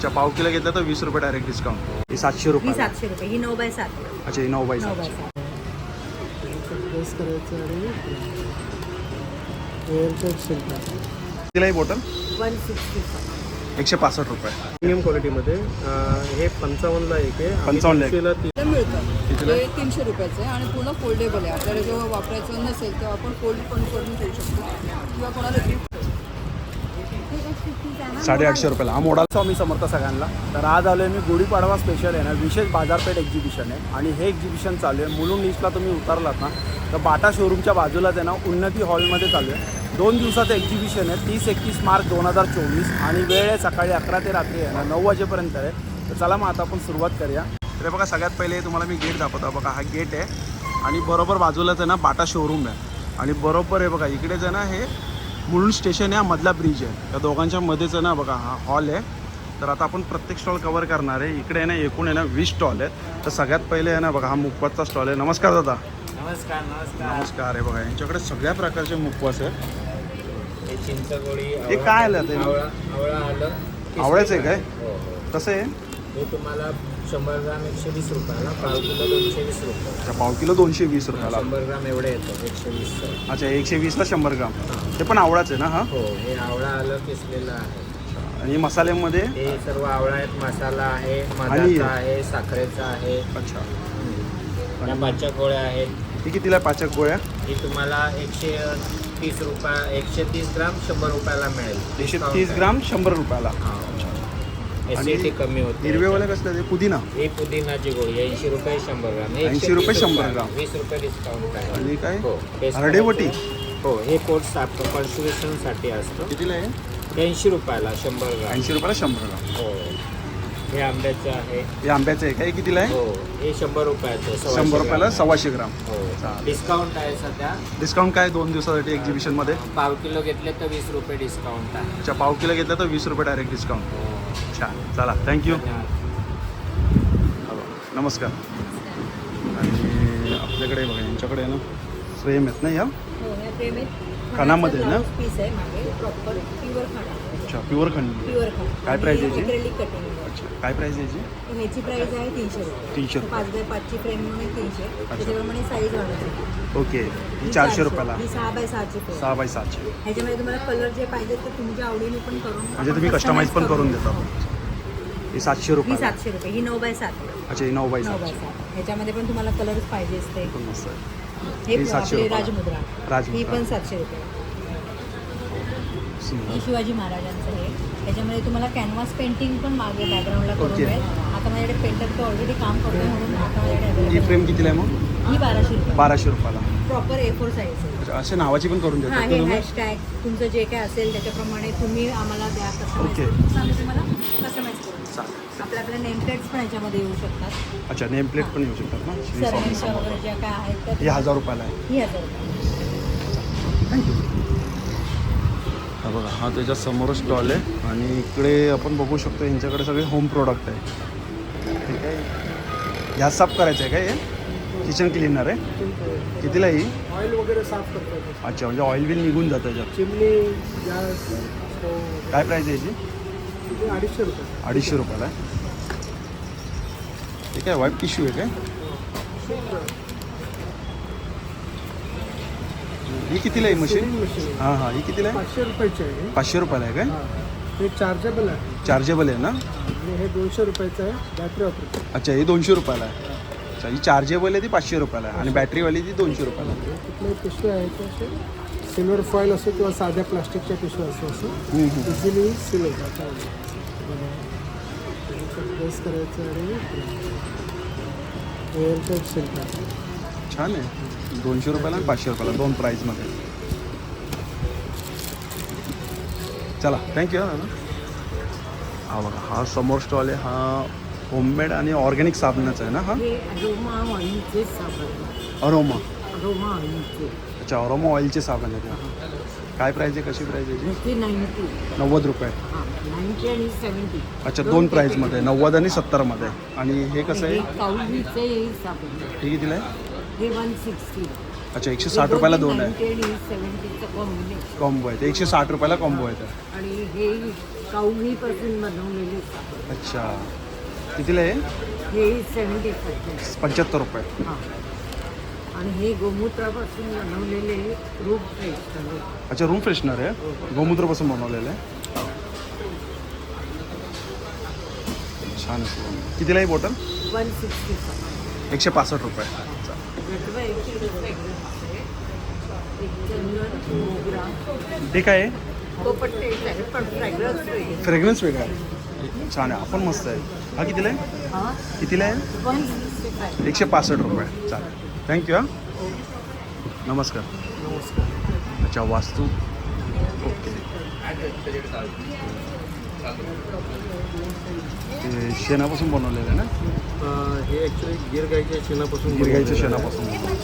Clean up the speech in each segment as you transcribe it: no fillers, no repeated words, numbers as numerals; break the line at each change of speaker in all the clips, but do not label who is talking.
अच्छा, पाव किलो घेतलं तर 20 रुपये डायरेक्ट डिस्काउंट. ही 700 रुपये.
ही 700 रुपये. ही 9x7.
अच्छा, ही 9 बाय 7.
9x7.
किती बॉटल?
165.
165 रुपये.
प्रीमियम क्वालिटीमध्ये हे 55ला एक आहे.
55 ला एक.
मिळतं.
कितीला?
हे 300 रुपयाचं आहे आणि पूर्ण फोल्डेबल आहे. आपल्याला जेव्हा वापरायचं नसेल तेव्हा आपण फोल्ड पण करून ठेवू शकतो किंवा कोणाला गिफ्ट.
850 रुपयाला. हा मोडा.
स्वामी समर्थ सगळ्यांना. तर आज आलो आहे मी गुढीपाडवा स्पेशल आहे ना, विशेष बाजारपेठ एक्झिबिशन आहे आणि हे एक्झिबिशन चालू आहे मुलुंड ईस्टला. तुम्ही उतरलात ना तर बाटा शोरूमच्या बाजूलाच आहे ना, उन्नती हॉलमध्ये चालू आहे. 2 दिवसाचं एक्झिबिशन आहे. 30-31 मार्च 2024 आणि वेळ आहे सकाळी 11 ते रात्री आहे ना 9 वाजेपर्यंत आहे. तर चला मग आता आपण सुरुवात करूया.
तर बघा, सगळ्यात पहिले तुम्हाला मी गेट दाखवतो. बघा, हा गेट आहे आणि बरोबर बाजूलाच आहे ना बाटा शोरूम आहे आणि बरोबर आहे बघा इकडेच आहे ना हे मुलुंड स्टेशन आहे, हा मधला ब्रिज आहे. त्या दोघांच्या मध्येच आहे ना बघा हा हॉल आहे. तर आता आपण प्रत्येक स्टॉल कव्हर करणार आहे. इकडे आहे ना एकूण आहे ना 20 स्टॉल आहेत. तर सगळ्यात पहिले आहे ना बघा हा मुखवासचा स्टॉल आहे. नमस्कार दादा.
नमस्कार.
नमस्कार. आहे बघा यांच्याकडे सगळ्या प्रकारचे मुखवास आहेत.
हे चिंचगोळी,
हे काय आलं ते?
आवळा आलं.
आवळ्याचं आहे काय?
हो हो.
कसं आहे?
हे तुम्हाला 100 ग्राम 120 रुपयाला, पाव किलो 220 रुपये.
अच्छा, पाव किलो 220 रुपयाला.
100 ग्राम एवढे येतं 120.
अच्छा, 120ला 100 ग्राम. ते पण आवळाच आहे ना? हा.
हो, हे आवळा आलं किसलेलं आहे.
आणि मसाल्यामध्ये?
हे सर्व आवळा आहेत. मसाला आहे,
आणि-
मधाचा आहे, साखरेचा आहे.
अच्छा.
या पाचच्या गोळ्या आहेत.
ही कितीला पाचक गोळ्या?
ही तुम्हाला 130 रुपये, 130 ग्राम 100 रुपयाला मिळेल.
130 ग्राम 100 रुपयाला.
ऍसिडिटी कमी होते.
हिरवेवाले कसले ते? पुदिना.
ही पुदिनाची गोळी 80 रुपये 100 ग्राम.
80 रुपये 100 ग्राम.
20 रुपये डिस्काउंट आहे.
आणि काय?
हो.
हरडेवटी.
हो, हे कोर्स कॉन्स्टिट्युशनसाठी असतं.
कितीला आहे?
80 रुपयाला 100 ग्राम.
80 रुपयाला 100 ग्राम.
हो. हे आंब्याचं आहे.
हे आंब्याचं आहे काय? कितीला आहे?
हो, हे 100 रुपयाचं.
100 रुपयाला 125 ग्राम.
हो.
चालेल.
डिस्काउंट आहे सध्या.
डिस्काउंट काय 2 दिवसासाठी एक्झिबिशनमध्ये?
पाव किलो घेतले तर 20 रुपये डिस्काउंट आहे.
अच्छा, पाव किलो घेतलं तर 20 रुपये डायरेक्ट डिस्काउंट.
हो.
छान. चला, थँक्यू.
धन्यवाद.
नमस्कार. आणि आपल्याकडे बघा यांच्याकडे आहे ना फ्रेम आहेत ना या
हो, ह्या फ्रेम आहेत.
खणामध्ये आहे ना?
पीस आहे मागे प्रॉपर प्युअर खाना.
अच्छा, प्युअर खंड.
प्युअर खाना.
काय price आहे याची?
Acrylic cutting.
अच्छा, काय प्राईस आहे याची?
ह्याची प्राइस आहे 300 रुपये.
300 रुपये.
5x5 ची फ्रेम म्हणून आहे 300. त्याच्याप्रमाणे साईज वाढवते.
ओके. ही 400 रुपयाला.
ही 6x6 ची फ्रेम.
6 बाय 6ची.
ह्याच्यामध्ये तुम्हाला कलर जे पाहिजे ते तुमच्या आवडीने पण करून
म्हणजे तुम्ही कस्टमाइज पण करून देता. ही 700
ही
रुपये.
700 रुपये. ही 9x7.
अच्छा, ही 9 बाय 7.
9x7. ह्याच्यामध्ये पण तुम्हाला कलर पाहिजे असते.
पण मस्त आहे.
हे
ही 700
आपली
रुपयाला.
राजमुद्रा.
राजमुद्रा.
ही पण 700 रुपये.
सुंदर.
ही शिवाजी महाराजांचं आहे. त्याच्यामध्ये तुम्हाला कॅनव्हास पेंटिंग पण मागे बॅकग्राऊंडला करून
ओके.
मिळेल. आता माझ्याकडे पेंटर तो ऑलरेडी काम करतो म्हणून आता माझ्याकडे
ही
available
फ्रेम कितीला आहे मग?
आहे. ही 1200 रुपये.
1200 रुपयाला.
प्रॉपर A4 साईज आहे.
अच्छा, असे नावाची पण करून
हां,
देतात
हे
तुम्ही?
हॅशटॅग तुमचं जे काय असेल त्याच्याप्रमाणे तुम्ही आम्हाला द्या कस्टमाइज
ओके.
करून. आम्ही तुम्हाला कस्टमाइज करू.
चालेल.
आपल्या नेम प्लेट्स पण ह्याच्यामध्ये येऊ शकतात.
अच्छा, नेम प्लेट पण येऊ शकतात ना? श्री स्वामी
सरांच्या
समर्थ.
वगैरे ज्या काय आहेत त्या
ही 1000 रुपयाला आहे.
ही 1000 रुपये.
थँक्यू. हा बघा, हा त्याच्या समोर स्टॉल आहे आणि इकडे आपण बघू शकतो यांच्याकडे सगळे होम प्रोडक्ट आहे. ठीक आहे. गॅस साफ करायचं आहे काय? हे किचन क्लिनर आहे. कितीला ही?
ऑइल वगैरे साफ करतो.
अच्छा, म्हणजे ऑइल बिल निघून जातं याच्यात.
चिमणी, गॅस, स्टोव्ह.
काय प्राईस आहे याची?
250 रुपये.
250 रुपयाला आहे. ठीक आहे. वाईट टिश्यू आहे काय? ही कितीला आहे मशीन?
मशीन
हां हां, ही कितीला आहे?
500 रुपयाची आहे.
500 रुपयाला आहे काय?
हे चार्जेबल आहे
चार्जेबल आहे ना?
आणि हे 200 रुपयाचं आहे. Battery operator.
अच्छा, ही 200 रुपयाला आहे. अच्छा, ही चार्जेबल आहे ती 500 रुपयाला आहे आणि बॅटरीवाली ती 200 रुपयाला आहे.
कुठल्याही पिशव्या आहेत ते असे सिल्वर फॉईल असो किंवा साध्या प्लास्टिकच्या पिशव्या असो असं इझिली सील होतात. प्रेस करायचं आणि एअरटाईट सील करायचं.
छान आहे. 200 रुपयाला आणि 500 रुपयाला 2 प्राईजमध्ये. चला, थँक्यू. हा बघा, हा समोर स्टॉल आहे. हा होममेड आणि ऑर्गॅनिक साबणाचा आहे ना? हा
हे अरोमा ऑइलचे साबण.
अरोमा.
अरोमा ऑइलचे.
अच्छा, अरोमा ऑइलचे साबण आहे ते. काय प्राईज आहे? कशी प्राईज आहे याची?
ते 90.
90 रुपये.
हां, 90 आणि 70.
अच्छा, 2 प्राईजमध्ये 90 आणि 70मध्ये. आणि हे कसं आहे?
काउलीचे साबण.
हे कितीला आहे?
हे 160.
अच्छा, 160 रुपयाला 2 आहे.
90 आणि 70चं कॉम्बिनेशन.
कॉम्बो आहे ते. 160 रुपयाला कॉम्बो आहे ते.
आणि हे काउलीपासून बनवलेले साबण.
अच्छा, कितीला आहे?
हे 75
₹75.
हां. आणि हे गोमूत्रापासून बनवलेले रूप फ्रेशनर.
अच्छा, रूम फ्रेशनर आहे, गोमूत्रापासून बनवलेलं आहे. छान आहे. कितीला आहे बॉटल?
165.
₹165. हे काय आहे?
तो पण टेस्ट आहे पण फ्रॅग्रन्स वेगळी.
फ्रेग्रन्स वेगळा आहे. छान आहे, आपण मस्त आहे. हा कितीला आहे?
हां
कितीला आहे?
165.
₹165. चालेल, थँक्यू. हां, नमस्कार. अच्छा, वास्तू. ओके. ते शेणापासून बनवलेलं आहे ना?
हे ॲक्च्युली गिर गाईच्या शेणापासून
गिरगाईच्या शेणापासून.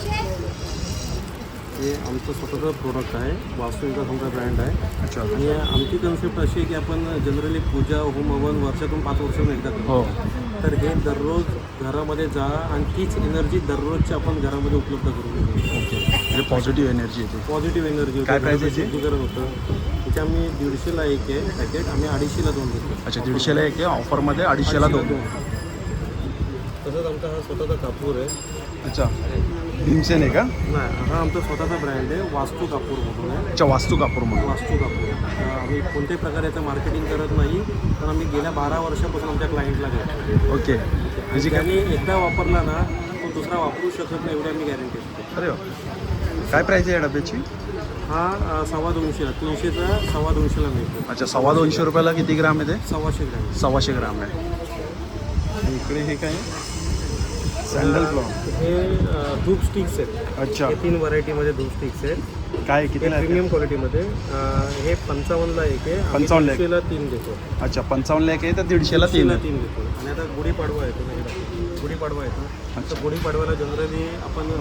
हे आमचं स्वतःचं प्रोडक्ट आहे. वास्तूचा आमचा ब्रँड आहे.
अच्छा.
आणि आमची कन्सेप्ट अशी आहे की आपण जनरली पूजा होम हवन वर्षातून 5 वर्षांनी एकदा करतो.
हो.
तर हे दररोज घरामध्ये जा आणि तीच एनर्जी दररोजची आपण घरामध्ये उपलब्ध करून देतो.
ओके, म्हणजे पॉझिटिव्ह एनर्जी येते.
पॉझिटिव्ह एनर्जी
काय price आहे याची?
शुद्धीकरण होतं. त्याचे आम्ही 150ला एक आहे पॅकेट, आम्ही 250ला 2 देतो.
अच्छा, 150ला एक आहे, ऑफरमध्ये 250ला 2.
तसंच आमचा हा स्वतःचा कापूर आहे.
अच्छा, भीमसेन आहे का?
नाही, हा आमचा स्वतःचा ब्रँड आहे. वास्तू कापूर म्हणून आहे.
अच्छा, वास्तू कापूर म्हणून.
वास्तू कापूर. आम्ही कोणत्याही प्रकारे याचं मार्केटिंग करत नाही, पण आम्ही गेल्या 12 वर्षापासून आमच्या क्लायंटला घेतो.
ओके,
म्हणजे त्यांनी एकदा वापरला ना तो दुसरा वापरू शकत नाही, एवढी आम्ही गॅरंटी देतो.
अरे वा. काय प्राईस आहे या डब्याची?
हा 250ला 300चा 250ला मिळतो.
अच्छा, ₹250 किती ग्राम आहे ते?
125 ग्रॅम.
125 ग्राम आहे. आणि इकडे हे काय आहे? Sandal flower.
हे धूप स्टिक्स आहेत.
अच्छा,
हे 3 व्हरायटीमध्ये धूप स्टिक्स आहेत.
काय
हे
कितीला आहे?
प्रीमियम क्वालिटीमध्ये. हे 55ला एक आहे.
55 ला एक.
150ला 3 देतो.
अच्छा, 55ला एक आहे तर 150ला 3 आहे.
3 देतो. आणि आता गुढीपाडवा येतो ना, गुढीपाडवा येतो. तर गुढीपाडव्याला जनरली आपण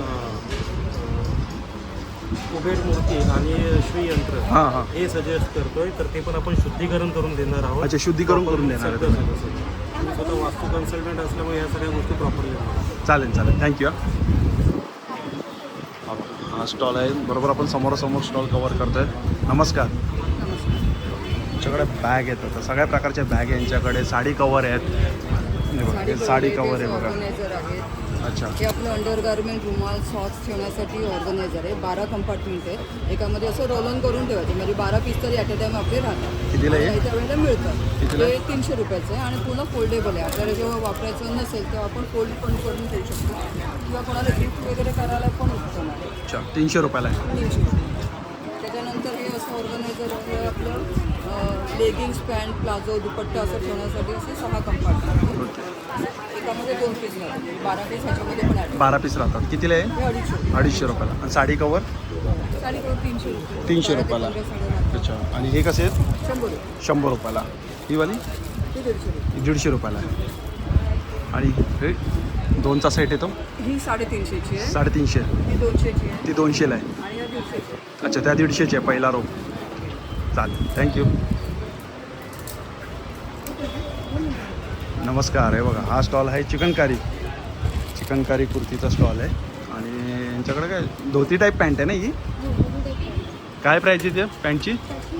कुबेर मूर्ती आणि श्रीयंत्र
हां हां.
हे सजेस्ट करतोय. तर ते पण आपण शुद्धीकरण करून देणार आहोत.
अच्छा, शुद्धीकरण करून देणार आहे
सगळं
तुम्ही.
सगळं. आम्ही स्वतः वास्तू कन्सल्टंट असल्यामुळे या सगळ्या गोष्टी प्रॉपरली
चालेल चालेल, थँक्यू. हा स्टॉल आहे, बरोबर आपण समोरासमोर स्टॉल कवर करतोय. नमस्कार. आमच्याकडे बॅग आहेत, आता सगळ्या प्रकारच्या बॅग आहे यांच्याकडे. साडी कवर आहेत. हे बघा, हे साडी कवर आहे बघा.
ऑर्गनायझर आहे.
अच्छा,
हे आपलं अंडरगार्मेंट रुमाल सॉक्स ठेवण्यासाठी ऑर्गनायझर आहे. 12 कंपार्टमेंट आहेत. एकामध्ये असं रोल ऑन करून ठेवायचं, म्हणजे 12 पीस तरी ॲट अ टाईम आपले राहतात.
कितीला आहे?
आणि त्या वेळेला मिळतं.
कितीला?
हे 300 रुपयाचं आहे आणि पूर्ण फोल्डेबल आहे. आपल्याला जेव्हा वापरायचं नसेल तेव्हा आपण फोल्ड पण करून ठेवू शकतो किंवा कोणाला गिफ्ट वगैरे करायला पण उत्तम आहे.
अच्छा, ₹300 आहे.
300 रुपये. त्याच्यानंतर हे असं ऑर्गनायझर आहे आपलं लेगिंग्स पॅन्ट प्लाझो दुपट्टा असं ठेवण्यासाठी असे 6 कंपार्टमेंट. एकामध्ये 2 पीस राहतात. 12 पीस ह्याच्यामध्ये पण आहे.
12 पीस राहतात. कितीला आहे?
हे 250.
₹250. आणि साडी कवर
साडी करून 300 रुपये.
₹300. अच्छा, आणि हे कसे आहेत?
100 रुपये.
₹100. ही वाली
हे 150 रुपये.
₹150 आहे. आणि हे 2चा सेट येतो
ही 350ची आहे.
350.
ही 200ची आहे
ती 200ला आहे.
आणि या 150ची आहे.
अच्छा, त्या 150ची आहे पहिला रो. चालेल, थँक्यू. नमस्कार. आहे बघा, हा स्टॉल आहे चिकनकारी कुर्तीचा स्टॉल आहे. आणि यांच्याकडे काय धोती टाईप पॅन्ट आहे ना ही? काय प्राईज आहे त्या पॅन्टची?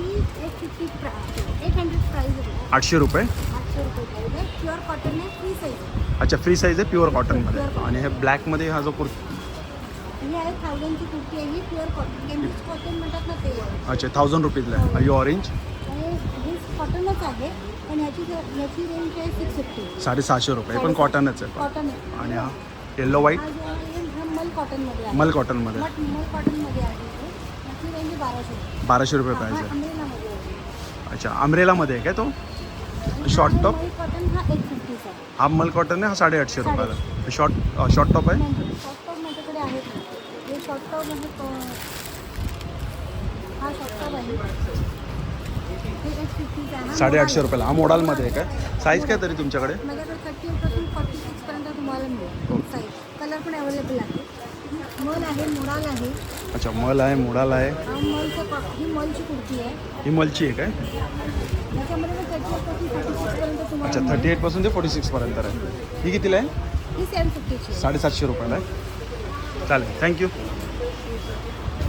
800 रुपये.
प्युअर कॉटन आहे, फ्री साईज.
अच्छा, फ्री साईज आहे, प्युअर कॉटनमध्ये. आणि हे ब्लॅकमध्ये हा जो कुर्ती,
ही आहे 1000ची कुर्ती आहे. ही प्युअर कॉटन केमिस्ट कॉटन म्हणतात ना ते आहे.
अच्छा, 1000 रुपीजला आहे. आणि ऑरेंज
हे कॉटनच आहे पण याची रेंज आहे 650.
750 रुपये. पण कॉटनच आहे.
कॉटन आहे.
आणि हा येल्लो व्हाईट
हा जो आहे हा मल कॉटनमध्ये आहे.
मल कॉटनमध्ये
मल कॉटनमध्ये आहे हे. याची रेंज 1200.
1200 रुपये प्राईज
हा
आहे.
अमरेलामध्ये आहे.
अच्छा, अमरेलामध्ये आहे काय तो? Short top.
मल कॉटन हा 150 आहे.
हा मल कॉटन आहे, हा 850 रुपयाला. शॉर्ट टॉप आहे.
नाही शॉर्ट टॉप माझ्याकडे आहेत. हे शॉर्ट टॉप आहे. हा शॉर्ट टॉप आहे. हे 150 आहे.
850 रुपयाला. हा मोडालमध्ये आहे काय? साईज काय तरी तुमच्याकडे?
माझ्याकडे 38 पासून 46 पर्यंत तुम्हाला मिळेल साईज. कलर पण अवेलेबल आहे. मल आहे, मोडाल आहे.
अच्छा, मल आहे, मोडाल आहे.
हा ही मलची कुर्ती आहे.
ही मलची आहे काय?
याच्यामध्ये पण 38 पासून 46 पर्यंत तुम्हाला
अच्छा,
मिळेल.
38 पासून ते 46 पर्यंत आहे. ही कितीला आहे?
ही 750ची आहे.
750 रुपयाला आहे. चालेल, थँक्यू.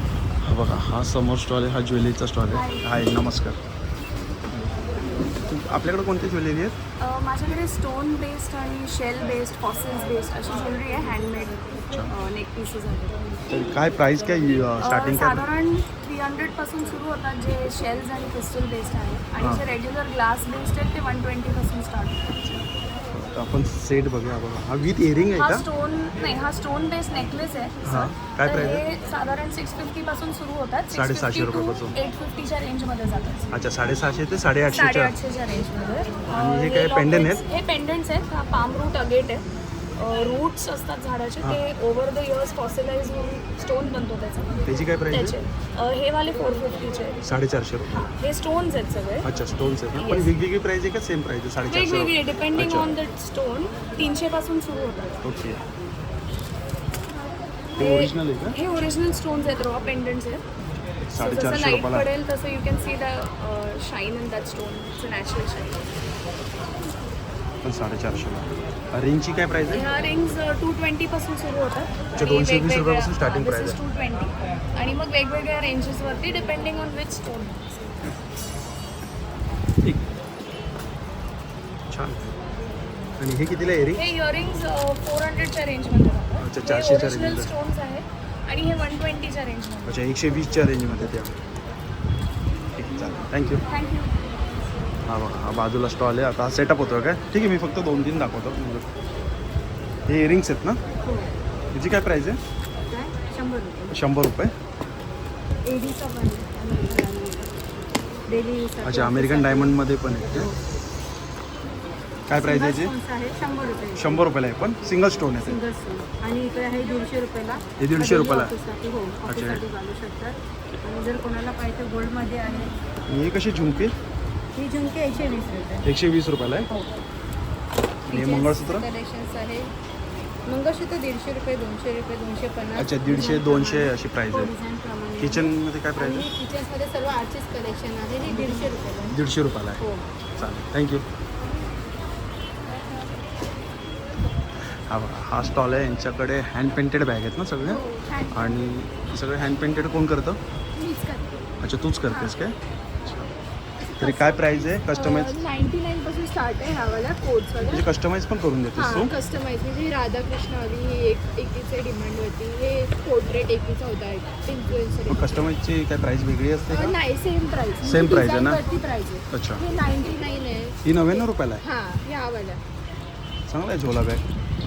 हा बघा, हा समोर स्टॉल आहे, हा ज्वेलरीचा स्टॉल आहे. हाय, नमस्कार. आपल्याकडे कोणती ज्वेलरी आहेत?
माझ्याकडे स्टोन बेस्ड आणि शेल बेस्ड फॉसिल्स बेस्ड अशी ज्वेलरी आहे हँडमेड नेक पीसेस आहेत
तर काय प्राईस काय स्टार्टिंग काय?
साधारण 300 पासून सुरू होतात जे शेल्स आणि क्रिस्टल बेस्ड आहेत आणि जे रेग्युलर ग्लास बेस्ड आहेत ते 120 पासून स्टार्ट होतात.
तर आपण सेट बघूया बघा. हा विथ इयरिंग
हा
आहे का?
स्टोन नाही, हा स्टोन बेस्ड नेकलेस आहे
हां.
सर.
काय
तर
प्राइस आहे?
हे साधारण 650 पासून सुरू होतात.
750 रुपयापासून.
850च्या रेंजमध्ये जातात.
अच्छा 750 ते 850.
850च्या रेंजमध्ये.
आणि हे काय pendant आहेत?
हे पेंडंट्स आहेत. हा पाम रूट अगेट आहे. रूट्स असतात झाडाचे ते ओव्हर द इयर्स फॉसिलाइज होऊन स्टोन बनतो त्याचा.
त्याची काय प्राईस
त्याचे
आहे?
हे वाले 450चे आहेत.
450 रुपये.
हा, हे स्टोन्स आहेत सगळे
अच्छा स्टोन्स आहेत ना? पण
Yes.
वेगवेगळी प्राईस आहे का सेम प्राईस आहे? 450
वेगवेगळे डिपेंडिंग
अच्छा.
ऑन द स्टोन 300 पासून सुरू होतात.
ओके. हे ओरिजिनल आहे का?
हे ओरिजिनल स्टोन्स आहेत, रॉ पेंडंट्स आहेत. So,
450
जसं लाईट
रुपयाला.
पडेल तसं you can see the shine in that stone. It's a natural shine.
पण 450ला. रिंगची काय प्राईस आहे?
ह्या रिंग्स 220 पासून सुरू होतात.
अच्छा, 220 रुपयापासून starting price आहे.
220 आणि मग वेगवेगळ्या रेंजेसवरती डिपेंडिंग ऑन विच स्टोन.
ठीक. छान. आणि हे कितीला आहे रिंग?
हे इयरिंग्स 400च्या रेंजमध्ये जातात.
अच्छा,
हे
400च्या
ओरिजिनल
रेंजमध्ये.
स्टोन्स आहेत आणि हे 120च्या रेंजमध्ये.
अच्छा 120च्या रेंजमध्ये त्या. ठीक चालेल थँक्यू.
थँक्यू.
हा बघा हा बाजूला स्टॉल आहे. आता सेटअप होतो काय? ठीक आहे मी फक्त 2-3 दाखवतो. हे इयरिंग्स आहेत ना? याची काय प्राईस आहे?
100 रुपये
100 रुपये.
एडीचा पण डेली
अच्छा अमेरिकन डायमंडमध्ये पण आहे ते. काय प्राईस आहे याची?
आहे 100 रुपये
100 रुपयाला आहे पण सिंगल स्टोन आहे ते.
सिंगल स्टोन आणि इकडे आहे 150 रुपयाला.
हे 150 रुपयाला?
ऑफिससाठी हो ऑफिससाठी घालू शकतात. आणि जर कोणाला पाहिजे गोल्डमध्ये आहे
आणि हे कशी झुमके?
ही झुमके 120 रुपये
120 रुपयाला आहे.
हो.
आणि हे मंगळसूत्र?
कलेक्शन्स आहे. मंगळसूत्र 150 रुपये 200 रुपये 250.
अच्छा 150-200 अशी प्राईस आहे.
डिझाईनप्रमाणे
किचनमध्ये काय प्राईस
आणि
आहे?
किचन्समध्ये सर्व आर्टिस्ट कलेक्शन आहे. हे 150 रुपयाला आहे.
150 रुपयाला आहे.
हो.
चालेल थँक्यू. हा बघा हा स्टॉल आहे. यांच्याकडे हँड पेंटेड बॅग आहेत ना सगळे? आणि सगळे हँड पेंटेड कोण करतं?
मीच करते.
अच्छा तूच करतेस काय? तरी काय प्राईस आहे? कस्टमाइज
99 पासून स्टार्ट आहे ह्यावाल्या कोड्सवाल्या.
म्हणजे कस्टमाइज पण करून देतेस तू?
हां कस्टमाइज म्हणजे राधाकृष्ण आली ही एकीचे डिमांड होती. हे पोर्ट्रेट एकीचा होता इन्फ्लुएन्सर.
मग कस्टमाइजची काय प्राईस वेगळी असते का?
नाही सेम प्राइस.
Same price आहे ना?
प्राइस आहे.
अच्छा
हे 99 आहे.
ही 99 रुपयाला आहे.
हां ह्यावाल्या.
चांगला आहे झोला बॅग.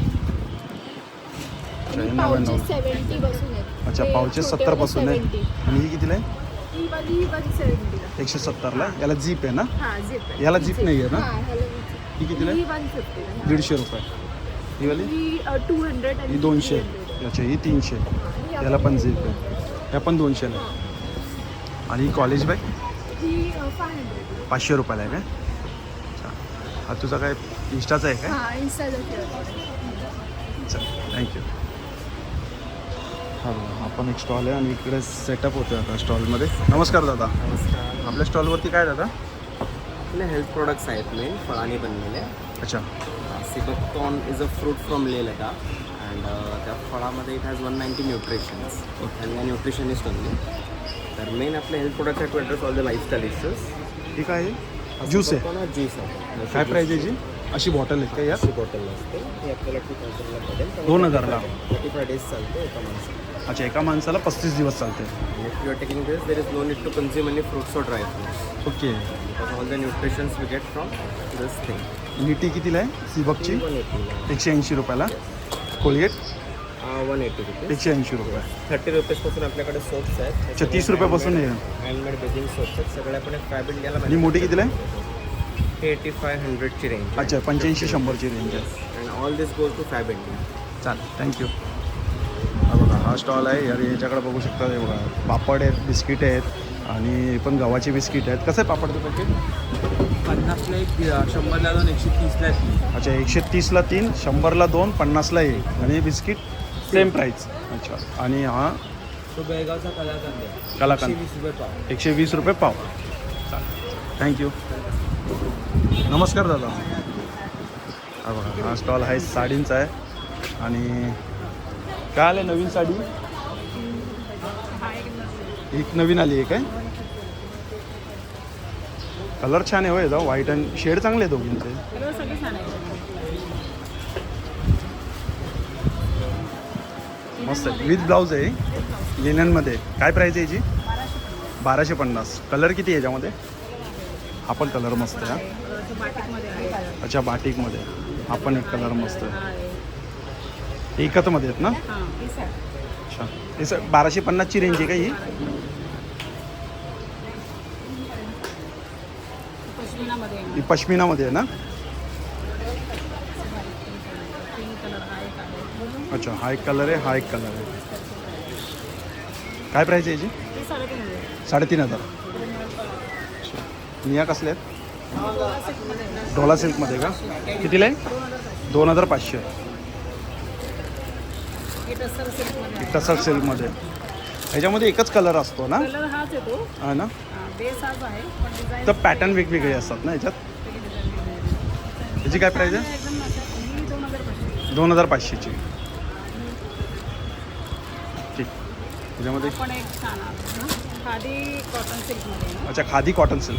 अच्छा हे
पाउचेस
99.
70 पासून आहेत.
अच्छा
हे
पावचेस
छोटे
70 पासून आहे.
70.
आणि ही कितीला आहे?
ही वाली 170 ला.
170ला. याला जीप आहे ना?
हां झिप आहे.
याला zip नाही आहे ना?
हां ह्याला zip.
ही कितीला
ही
आहे?
150 ला.
150 रुपये. ही वाली?
ही 200 आणि
ही 200.
300.
अच्छा ही 300. याला पण जीप आहे. ह्या पण 200ला आहे. आणि ही कॉलेज बॅग
ही 500.
500 रुपयाला आहे काय? अच्छा हा तुझा काय इंस्टाचा आहे काय?
हां इन्स्टाला
चल थँक्यू. हां आपण एक स्टॉल आहे आणि इकडे सेटअप होतं आता स्टॉलमध्ये. नमस्कार दादा.
नमस्कार.
आपल्या स्टॉलवरती काय दादा?
आपले हेल्थ प्रोडक्ट्स आहेत मेन फळांनी बनलेले.
अच्छा
sea buckthorn is a fruit from Leh Ladakh and त्या फळामध्ये इट हॅज 190 न्यूट्रिशन्स आणि या न्यूट्रिशनिस्ट ओनली. तर मेन आपले हेल्थ प्रोडक्ट आहे to address all the lifestyle issues.
ही काय आहे? ज्यूस आहे.
ज्यूस आहे.
काय प्राईज आहे याची? अशी बॉटल आहे का यात?
अशी बॉटल असते ही आपल्याला 2000ला पडेल.
2000ला?
35 डेज चालते एका माणसाला.
अच्छा एका माणसाला 35 दिवस चालते.
If you are taking this there is no need to consume any fruits और dry fruits
okay.
Because all the nutritions we get from this thing.
आणि टी कितीला आहे सिबकची?
180
180 रुपयाला. कोलगेट
180 रुपये.
180 रुपये.
30 रुपीजपासून आपल्याकडे सोप्स आहेत.
अच्छा 30 रुपयापासून आहे.
हँडमेड बेसिंग सोप्स आहेत सगळे आपण फॅब इंडियाला
आणि मोठी कितीला आहे?
8500ची रेंज.
अच्छा 85-100ची रेंज आहे.
And all this goes to Fabindia.
चालेल थँक्यू. हा बघा हा स्टॉल आहे. अरे याच्याकडे बघू शकता. हे बघा पापड आहेत, बिस्किट आहेत आणि पण गव्हाचे बिस्किट आहेत. कसं आहे पापडचं पॅकेट?
50ला 1, 100ला 2, 130ला 3.
अच्छा 130ला 3, 100ला 2, 50ला 1 आणि बिस्किट सेम प्राईस. अच्छा आणि हा
तो बेळगावचा कलाकंद आहे.
कलाकंद
120 रुपये पाव.
120 रुपये पाव. चालेल थँक्यू. नमस्कार दादा. हा बघा हा स्टॉल आहे साडींचा आहे. आणि काय आलं नवीन साडी? एक नवीन आली आहे काय? कलर छान आहे हो याचा, व्हाईट आणि शेड चांगले आहे दोघींचे.
कलर सगळे छान आहे.
मस्त आहे, विथ ब्लाऊज आहे लिननमध्ये. काय प्राईस आहे याची? 1250. कलर किती आहे याच्यामध्ये? हा पण कलर मस्त आहे हा.
बाटिकमध्ये आहे.
अच्छा बाटिकमध्ये. हा पण एक कलर मस्त आहे. एकतमध्ये आहेत ना?
हां पीस आहे.
अच्छा हे सर 1250ची रेंज आहे का ही?
पश्मिनामध्ये आहे.
ही पश्मिनामध्ये आहे ना?
पिंक कलर हा एक आहे.
अच्छा हा एक कलर आहे, हा एक कलर आहे. काय प्राईस आहे याची?
ते 3,500.
3,500. अच्छा निया कसले आहेत? डोला सिल्कमध्ये का? कितीला आहे? 2,500.
हे टसर सिल्कमध्ये आहे.
टसर सिल्कमध्ये. ह्याच्यामध्ये एकच कलर असतो ना?
कलर हाच येतो.
हा ना?
बेस हाच आहे पण डिझाईन
तर पॅटर्न वेगवेगळे असतात ना ह्याच्यात. ह्याची काय प्राईस आहे?
एकदम ही 2,500.
2,500ची. ठीक. ह्याच्यामध्ये
पण एक छान आहे ना, खादी कॉटन सिल्कमध्ये आहे ना.
अच्छा खादी कॉटन सिल्क.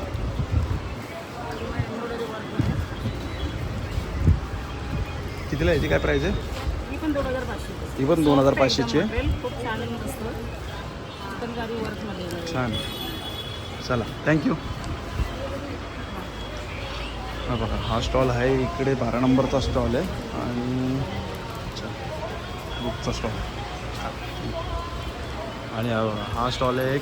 कितीला याची काय प्राईस आहे?
ही पण 2,500.
ही पण 2,500ची आहे.
मटेरियल खूप छान आहे, मस्त चिकनकारी वर्कमध्ये आहे.
छान. चला थँक्यू. हा बघा हा स्टॉल आहे इकडे 12 नंबरचा स्टॉल आहे आणि अच्छा बुकचा स्टॉल. आणि हा बघा हा स्टॉल आहे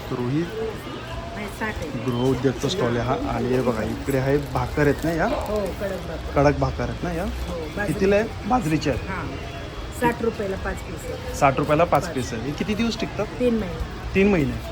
गृह उद्योगचा स्टॉल आहे हा. आणि हे बघा इकडे आहे भाकर आहेत ना या,
हो कडक भाकर.
कडक भाकर आहेत ना या.
हो
कितीला आहे? बाजरीचे आहेत.
हां 60 रुपयाला 5 पीस आहे.
60 रुपयाला 5 पीस आहे. हे किती दिवस टिकतात?
3 महिने.
3 महिने.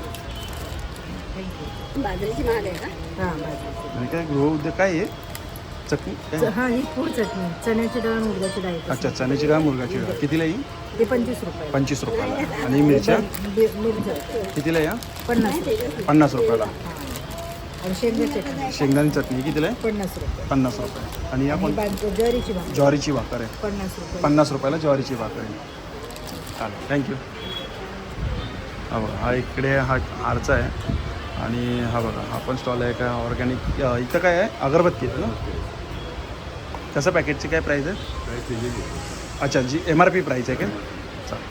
बाजरीची महाग आहे का? हां बाजरीची.
आणि काय गृह उद्योग काय आहे? चटणी काय?
हां ही फूड चटणी, चण्याची डाळ मुगाची डाळ.
अच्छा चण्याची डाळ मुरगाची डाळ. कितीला येईल?
ते 25 रुपये.
25 रुपयाला. आणि मिरच्या
मिरच्या
कितीला या?
50 रुपये.
50 रुपयाला.
आणि शेंगा चटणी
शेंगदाणी चटणी कितीला आहे?
50 रुपये.
50 रुपये. आणि या पण
ज्वारीची भाकर
ज्वारीची भाकर आहे
50 रुपये.
50 रुपयाला ज्वारीची भाकर आहे. चालेल थँक्यू. हा बघा हा इकडे हा हारचा आहे. आणि हा बघा हा पण स्टॉल आहे काय ऑर्गॅनिक. इथं काय आहे? अगरबत्ती आहे ना? कसं पॅकेटची काय प्राईस आहे? अच्छा जी MRP प्राईस आहे का? चालेल.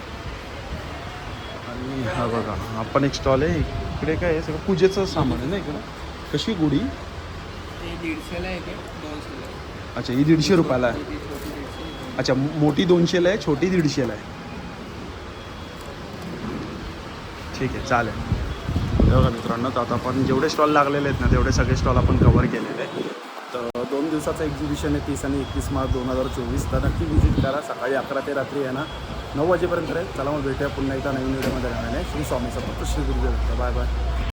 आणि हा बघा हा पण एक स्टॉल आहे. इकडे काय आहे? सगळं पूजेचं सामान आहे ना इकडं. कशी गुढी?
150ला आहे, 200ला.
अच्छा ही 150 रुपयाला आहे. अच्छा मोठी 200ला आहे, छोटी 150ला आहे. ठीक आहे चालेल. बघा मित्रांनो तर आता आपण जेवढे स्टॉल लागलेले आहेत ना तेवढे सगळे स्टॉल आपण कव्हर केलेले आहेत.
तर 2 दिवसाचं एक्झिबिशन आहे 30 आणि 31 मार्च 2024. तर नक्की विजिट करा. सकाळी 11 ते रात्री आहे ना 9 वाजेपर्यंत आहे. चला मग भेटूया पुन्हा एकदा नवीन व्हिडिओमध्ये. श्री स्वामी समर्थ, श्री गुरुदेव. Bye bye.